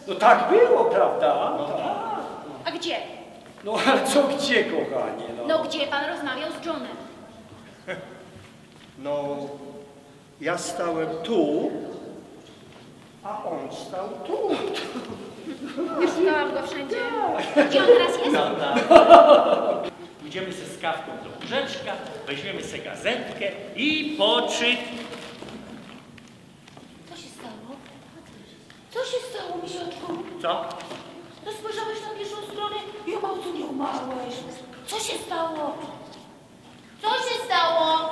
No tak było, prawda? No tak. A gdzie? No ale co gdzie, kochanie? No gdzie pan rozmawiał z Johnem? No, ja stałem tu, a on stał tu. Ja szukałam go wszędzie. Gdzie on teraz jest? No tak. Pójdziemy ze skawką do łóżeczka, weźmiemy se gazetkę i poczyt. Co się stało? Co się stało, misiaczku? Co? No spojrzałeś na pierwszą stronę i o małcu nie umarłeś. Co się stało? Co się stało?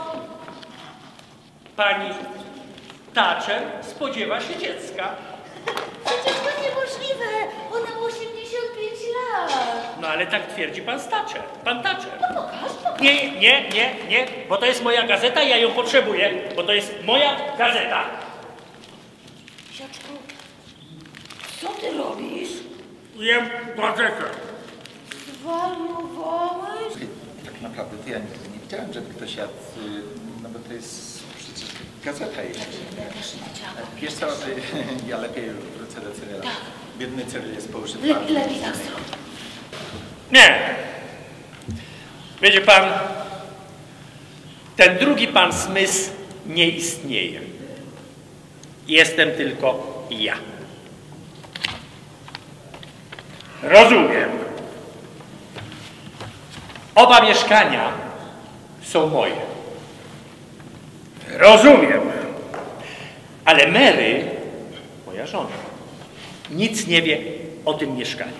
Pani Thatcher spodziewa się dziecka. Przecież to niemożliwe. Ona ma 85 lat. No ale tak twierdzi pan Thatcher. Pan Thatcher. No pokaż. Nie, bo to jest moja gazeta, ja ją potrzebuję, bo to jest moja gazeta. Misiaczku, co ty robisz? Jem gazetę. Zwariowałeś? Tak naprawdę to ja nie widziałem, żeby ktoś jadł, no bo to jest przecież gazeta jest. Wiesz co, ja lepiej wrócę do Cyryla. Biedny Cyryl jest poużywany. Lepiej tak zrób. Nie. Wiecie pan, ten drugi pan Smith nie istnieje. Jestem tylko ja. Rozumiem. Oba mieszkania są moje. Rozumiem. Ale Mary, moja żona, nic nie wie o tym mieszkaniu.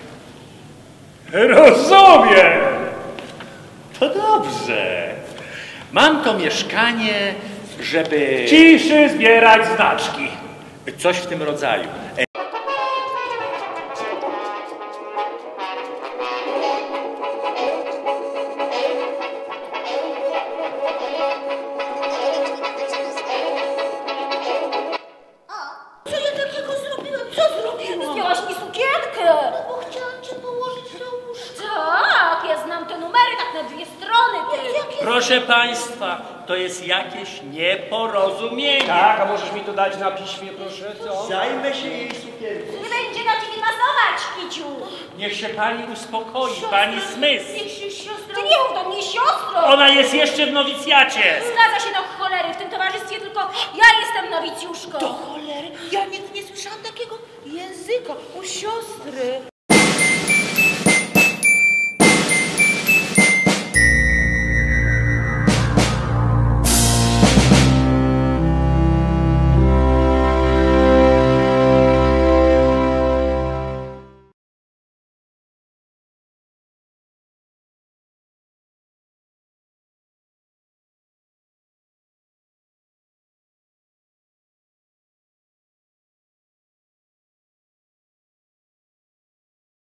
Rozumiem. To dobrze. Mam to mieszkanie, żeby... Ciszy zbierać znaczki. Coś w tym rodzaju. Co ja takiego zrobiłem? Co zrobiłam? Zdjęłaś mi sukienkę. No bo chciałam cię położyć na łóżko. Tak, ja znam te numery tak na dwie strony. Proszę państwa, to jest jakieś nieporozumienie. Tak, a możesz mi to dać na piśmie, proszę, co? Zajmę się jej sukienką. Nie będzie na ciebie masować, Kiciu. Niech się pani uspokoi, pani Smith. Niech się siostra... Ty nie mów do mnie siostrą. Ona jest jeszcze w nowicjacie. Zgadza się do cholery. W tym towarzystwie tylko ja jestem nowicjuszką. Do cholery, ja nigdy nie słyszałam takiego języka u siostry.